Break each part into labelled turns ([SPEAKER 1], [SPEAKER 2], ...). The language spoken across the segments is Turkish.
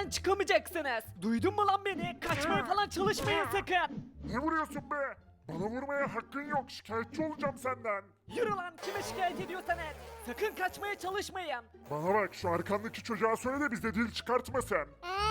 [SPEAKER 1] evden çıkamayacaksınız. Duydun mu lan beni? Kaçmaya falan çalışmayın sakın.
[SPEAKER 2] Ne vuruyorsun be? Bana vurmaya hakkın yok. Şikayetçi olacağım senden.
[SPEAKER 1] Yürü lan, kime şikayet ediyorsan et. Sakın kaçmaya çalışmayın.
[SPEAKER 2] Bana bak, şu arkandaki çocuğa söyle de bize dil çıkartmasın.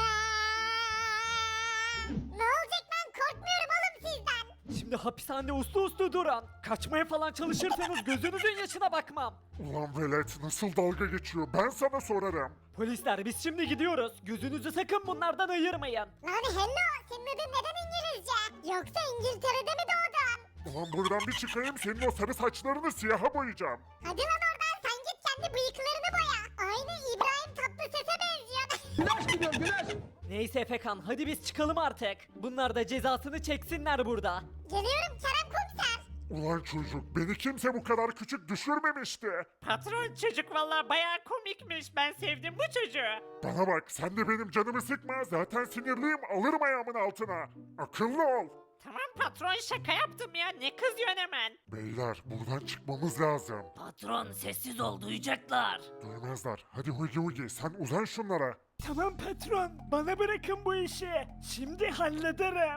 [SPEAKER 3] Ne olacak, ben korkmuyorum oğlum sizden.
[SPEAKER 1] Şimdi hapishanede uslu uslu durun. Kaçmaya falan çalışırsanız gözünüzün yaşına bakmam.
[SPEAKER 2] Ulan velet, nasıl dalga geçiyor, ben sana sorarım.
[SPEAKER 1] Polisler, biz şimdi gidiyoruz. Gözünüzü sakın bunlardan ayırmayın.
[SPEAKER 3] Lan hello, senin adın neden İngilizce? Yoksa İngiltere'de mi doğdun?
[SPEAKER 2] Ulan buradan bir çıkayım, senin o sarı saçlarını siyaha boyayacağım.
[SPEAKER 3] Hadi lan oradan, sen git kendi bıyıklarını boya. Aynı İbrahim Tatlıses'e benziyor.
[SPEAKER 1] Neyse Efekan, hadi biz çıkalım artık. Bunlar da cezasını çeksinler burada.
[SPEAKER 3] Geliyorum Kerem Komiser.
[SPEAKER 2] Ulan çocuk, beni kimse bu kadar küçük düşürmemişti.
[SPEAKER 4] Patron çocuk vallahi bayağı komikmiş. Ben sevdim bu çocuğu.
[SPEAKER 2] Bana bak, sen de benim canımı sıkma, zaten sinirliyim, alırım ayağımın altına. Akıllı ol.
[SPEAKER 4] Tamam patron, şaka yaptım ya. Ne kızıyorsun hemen?
[SPEAKER 2] Beyler, buradan çıkmamız lazım.
[SPEAKER 4] Patron sessiz ol, duyacaklar.
[SPEAKER 2] Duymazlar. Hadi Hugi Hugi, sen uzan şunlara.
[SPEAKER 1] Tamam patron, bana bırakın bu işi. Şimdi hallederim.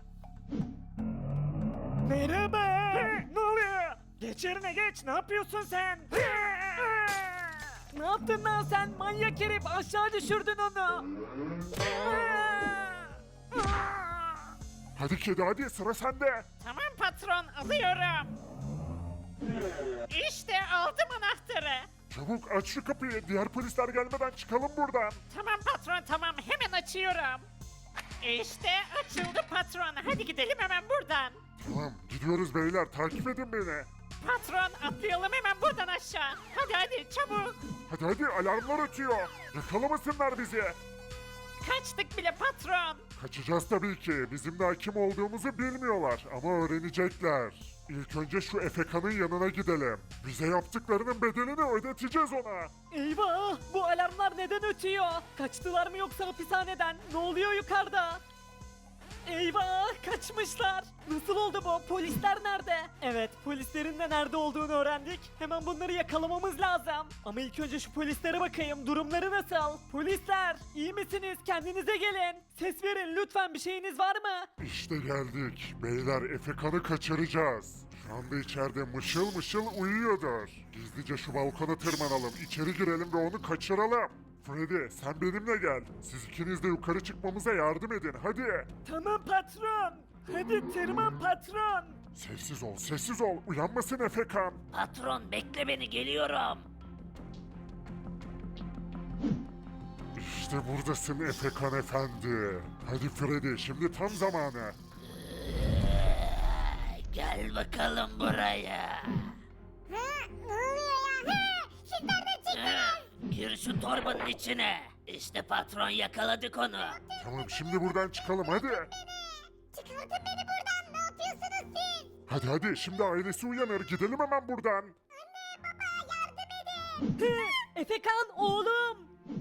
[SPEAKER 1] Merhaba. Ne oluyor? Geç yerine geç, ne yapıyorsun sen? Ne yaptın lan sen? Manyak herif, aşağı düşürdün onu.
[SPEAKER 2] Hadi kedi hadi, sıra sende.
[SPEAKER 4] Tamam patron, alıyorum. İşte aldım anahtarı.
[SPEAKER 2] Çabuk aç şu kapıyı, diğer polisler gelmeden çıkalım buradan.
[SPEAKER 4] Tamam patron, tamam, hemen açıyorum. İşte açıldı patron. Hadi gidelim hemen buradan.
[SPEAKER 2] Tamam, gidiyoruz beyler, takip edin beni.
[SPEAKER 4] Patron, atlayalım hemen buradan aşağı. Hadi çabuk.
[SPEAKER 2] Hadi hadi, alarmlar ötüyor. Yakalamasınlar bizi.
[SPEAKER 4] Kaçtık bile patron.
[SPEAKER 2] Kaçacağız tabii ki, bizim daha kim olduğumuzu bilmiyorlar ama öğrenecekler. İlk önce şu Efeka'nın yanına gidelim. Bize yaptıklarının bedelini ödeteceğiz ona.
[SPEAKER 1] Eyvah! Bu alarmlar neden ötüyor? Kaçtılar mı yoksa hapishaneden? Ne oluyor yukarıda? Eyvah! Kaçmışlar! Nasıl oldu bu? Polisler nerede? Evet, polislerin de nerede olduğunu öğrendik. Hemen bunları yakalamamız lazım. Ama ilk önce şu polislere bakayım. Durumları nasıl? Polisler! İyi misiniz? Kendinize gelin. Ses verin lütfen, bir şeyiniz var mı?
[SPEAKER 2] İşte geldik. Beyler, Efeka'nı kaçıracağız. Şu anda içeride mışıl mışıl uyuyordur. Gizlice şu balkona tırmanalım, içeri girelim ve onu kaçıralım. Freddy, sen benimle gel. Siz ikiniz de yukarı çıkmamıza yardım edin, hadi.
[SPEAKER 1] Tamam patron. Hadi tırman patron.
[SPEAKER 2] Sessiz ol, sessiz ol. Uyanmasın Efekan.
[SPEAKER 4] Patron bekle beni, geliyorum.
[SPEAKER 2] İşte buradasın Efekan efendi. Hadi Freddy, şimdi tam zamanı.
[SPEAKER 4] Gel bakalım buraya.
[SPEAKER 3] Ha, ne oluyor ya? Ha, siz nereden çıktınız?
[SPEAKER 4] Gir şu torbanın içine. İşte patron, yakaladık onu.
[SPEAKER 2] Tamam, şimdi buradan çıkalım hadi.
[SPEAKER 3] Çıkartın beni buradan, ne yapıyorsunuz siz?
[SPEAKER 2] Hadi hadi, şimdi ailesi uyanır, gidelim hemen buradan.
[SPEAKER 1] Efekan oğlum.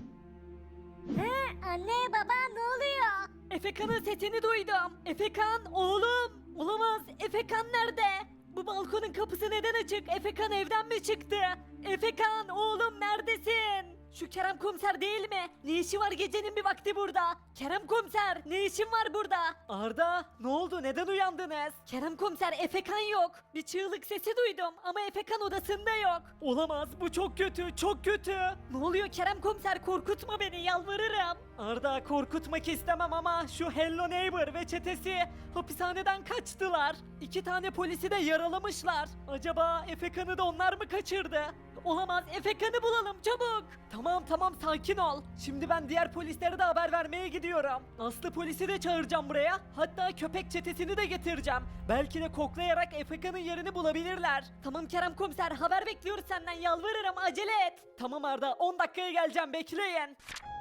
[SPEAKER 3] Ha, anne baba ne oluyor?
[SPEAKER 1] Efekan'ın sesini duydum. Efekan oğlum. Olamaz. Efekan nerede? Bu balkonun kapısı neden açık? Efekan evden mi çıktı? Efekan oğlum neredesin? Şu Kerem komiser değil mi? Ne işi var gecenin bir vakti burada? Kerem komiser ne işin var burada? Arda ne oldu, neden uyandınız? Kerem komiser, Efekan yok. Bir çığlık sesi duydum ama Efekan odasında yok. Olamaz, bu çok kötü, çok kötü. Ne oluyor Kerem komiser, korkutma beni, yalvarırım. Arda, korkutmak istemem ama şu Hello Neighbor ve çetesi hapishaneden kaçtılar. 2 tane polisi de yaralamışlar. Acaba Efekan'ı da onlar mı kaçırdı? Olamaz, Efekan'ı bulalım çabuk. Tamam tamam, sakin ol. Şimdi ben diğer polislere de haber vermeye gidiyorum. Aslı polisi de çağıracağım buraya. Hatta köpek çetesini de getireceğim. Belki de koklayarak Efekan'ın yerini bulabilirler. Tamam Kerem komiser, haber bekliyoruz senden, yalvarırım acele et. Tamam Arda, 10 dakikaya geleceğim, bekleyin.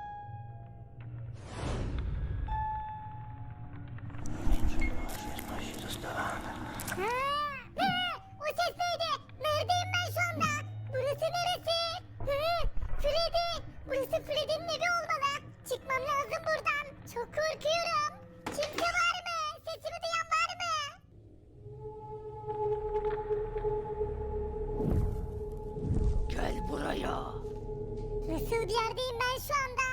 [SPEAKER 3] O ses neydi? Neredeyim ben şu anda? Burası neresi? Freddy! Burası Freddy'nin evi olmalı. Çıkmam lazım buradan. Çok korkuyorum. Kimse var mı? Sesimi duyan var mı?
[SPEAKER 4] Gel buraya.
[SPEAKER 3] Nasıl bir yerdeyim ben şu anda?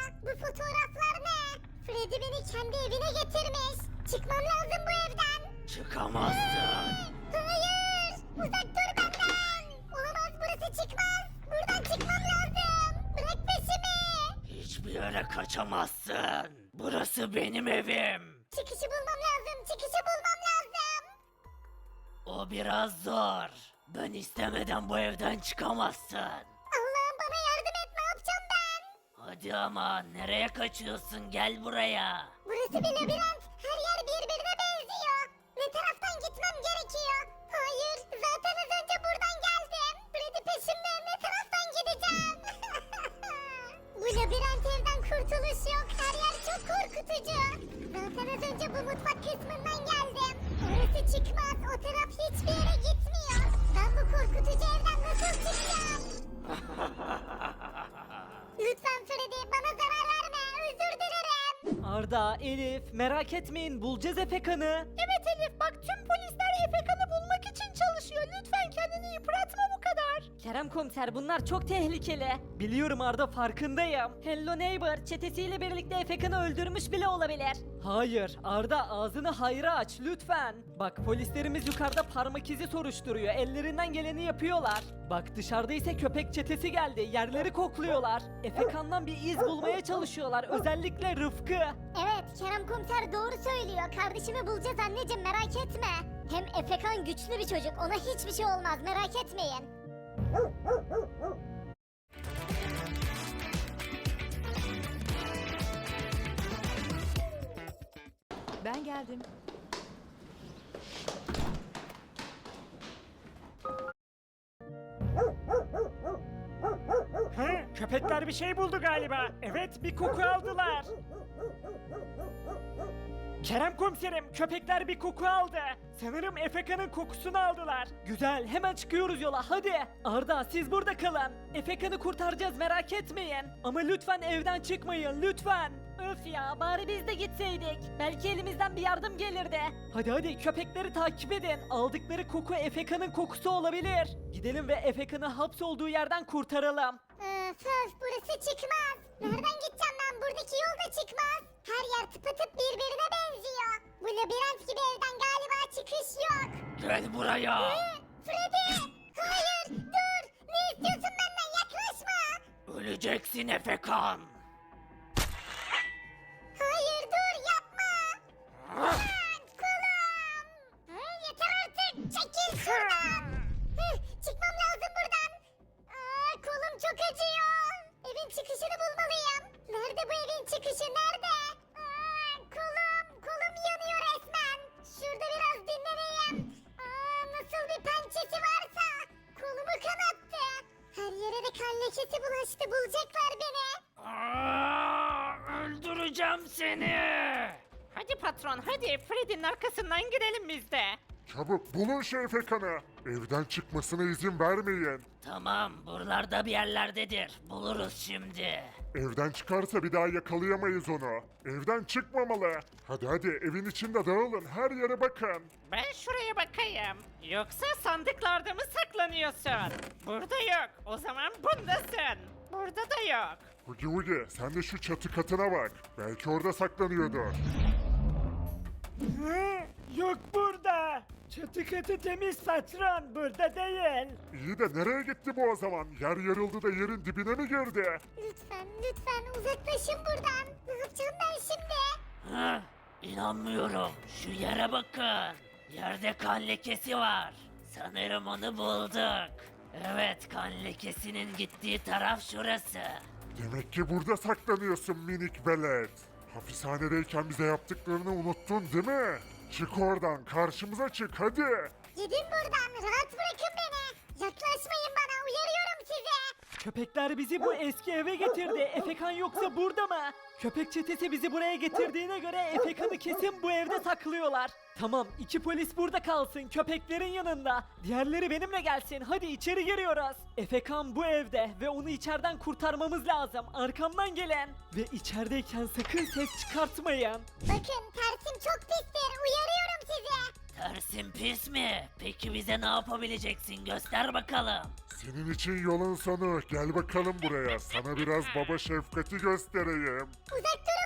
[SPEAKER 3] Freddy beni kendi evine getirmiş. Çıkmam lazım bu evden.
[SPEAKER 5] Çıkamazsın.
[SPEAKER 3] Hayır. Uzak dur benden. Olamaz, burası çıkmaz. Buradan çıkmam lazım. Bırak peşimi.
[SPEAKER 5] Hiçbir yere kaçamazsın. Burası benim evim.
[SPEAKER 3] Çıkışı bulmam lazım. Çıkışı bulmam lazım.
[SPEAKER 5] O biraz zor. Ben istemeden bu evden çıkamazsın.
[SPEAKER 3] Allah'ım bana yardım et. Ne yapacağım ben?
[SPEAKER 5] Hadi ama nereye kaçıyorsun? Gel buraya.
[SPEAKER 3] Burası bir labirent. Her yer birbirine benziyor. Ne taraftan gitmem gerekiyor? Hayır, zaten az önce buradan geldim. Freddy peşimde. Ne taraftan gideceğim? Bu labirent evden kurtuluş yok. Her yer çok korkutucu. Zaten az önce bu mutfak kısmından geldim. Orası çıkmaz. O taraf hiçbir yere gitmiyor. Ben bu korkutucu evden nasıl çıkacağım? Lütfen Freddy, bana zarar verme. Özür dilerim.
[SPEAKER 1] Arda, Elif merak etmeyin bulacağız Efekan'ı.
[SPEAKER 3] Evet Elif, bak tüm polisler Efekan'ı bulmak için çalışıyor. Lütfen kendini yıpratma bu kadar.
[SPEAKER 1] Kerem komiser bunlar çok tehlikeli. Biliyorum Arda farkındayım. Hello Neighbor çetesiyle birlikte Efekan'ı öldürmüş bile olabilir. Hayır Arda ağzını hayra aç lütfen. Bak polislerimiz yukarıda parmak izi soruşturuyor. Ellerinden geleni yapıyorlar. Bak dışarıda ise köpek çetesi geldi. Yerleri kokluyorlar. Efekan'dan bir iz bulmaya çalışıyorlar. Özellikle Rıfkı.
[SPEAKER 3] Evet, Kerem komiser doğru söylüyor. Kardeşimi bulacağız anneciğim, merak etme. Hem Efekan güçlü bir çocuk, ona hiçbir şey olmaz, merak etmeyin.
[SPEAKER 6] Ben geldim.
[SPEAKER 7] He, köpekler bir şey buldu galiba. Evet, bir koku aldılar. Kerem komiserim, köpekler bir koku aldı. Sanırım Efekan'ın kokusunu aldılar.
[SPEAKER 1] Güzel hemen çıkıyoruz yola hadi. Arda siz burada kalın. Efekan'ı kurtaracağız merak etmeyin. Ama lütfen evden çıkmayın lütfen. Öf ya bari biz de gitseydik. Belki elimizden bir yardım gelirdi. Hadi hadi köpekleri takip edin. Aldıkları koku Efekan'ın kokusu olabilir. Gidelim ve Efekan'ı hapsolduğu yerden kurtaralım.
[SPEAKER 3] Öf, burası çıkmaz. Nereden gideceğim ben? Buradaki yol da çıkmaz. Her yer tıpatıp birbirine benziyor. Bu labirent gibi evden galiba çıkış yok.
[SPEAKER 5] Gel buraya.
[SPEAKER 3] Freddy! Hayır! Dur! Ne istiyorsun benden? Yaklaşma!
[SPEAKER 5] Öleceksin Efekan.
[SPEAKER 3] Hayır dur yapma! Kolum! Yeter artık! Çekil şuradan! Çıkmam lazım buradan! Kolum çok acıyor! Evin çıkışını bulmalıyım! Nerede bu evin çıkışı? Nerede? Kolum yanıyor resmen! Şurada biraz dinleneyim! Nasıl bir pençesi varsa! Kolumu kanattı! Her yere de kan lekesi bulaştı! Bulacaklar beni!
[SPEAKER 5] Öldüreceğim seni.
[SPEAKER 4] Hadi patron hadi Freddy'nin arkasından gidelim biz de.
[SPEAKER 2] Çabuk bulun şu Efekan'ı. Evden çıkmasına izin vermeyin.
[SPEAKER 5] Tamam, buralarda bir yerlerdedir. Buluruz şimdi.
[SPEAKER 2] Evden çıkarsa bir daha yakalayamayız onu. Evden çıkmamalı. Hadi hadi evin içinde dağılın. Her yere bakın.
[SPEAKER 4] Ben şuraya bakayım. Yoksa sandıklarda mı saklanıyorsun? Burada yok. O zaman bundasın. Burada da yok.
[SPEAKER 2] Hugi Hugi sen de şu çatı katına bak. Belki orada saklanıyordur.
[SPEAKER 7] Hı, yok burada. Çatı katı temiz patron, burada değil.
[SPEAKER 2] İyi de nereye gitti bu o zaman? Yer yarıldı da yerin dibine mi girdi?
[SPEAKER 3] Lütfen uzaklaşın buradan. Ne yapacağım ben şimdi?
[SPEAKER 5] Hı, İnanmıyorum. Şu yere bakın. Yerde kan lekesi var. Sanırım onu bulduk. Evet, kan lekesinin gittiği taraf şurası.
[SPEAKER 2] Demek ki burada saklanıyorsun minik velet. Hapishanedeyken bize yaptıklarını unuttun değil mi? Çık oradan karşımıza çık hadi.
[SPEAKER 3] Gidin buradan. Rahat bırakın beni. Yaklaşmayın bana. Uyarıyorum sizi.
[SPEAKER 1] Köpekler bizi bu eski eve getirdi. Efekan yoksa burada mı? Köpek çetesi bizi buraya getirdiğine göre Efekan'ı kesin bu evde saklıyorlar. Tamam, iki polis burada kalsın, köpeklerin yanında. Diğerleri benimle gelsin, hadi içeri giriyoruz. Efekan bu evde ve onu içeriden kurtarmamız lazım. Arkamdan gelen. Ve içerideyken sakın ses çıkartmayın.
[SPEAKER 3] Bakın tersim çok pistir. Uyarıyorum sizi.
[SPEAKER 5] Tersin pis mi? Peki bize ne yapabileceksin? Göster bakalım.
[SPEAKER 2] Senin için yolun sonu. Gel bakalım buraya. Sana biraz baba şefkati göstereyim.
[SPEAKER 3] Uzak durun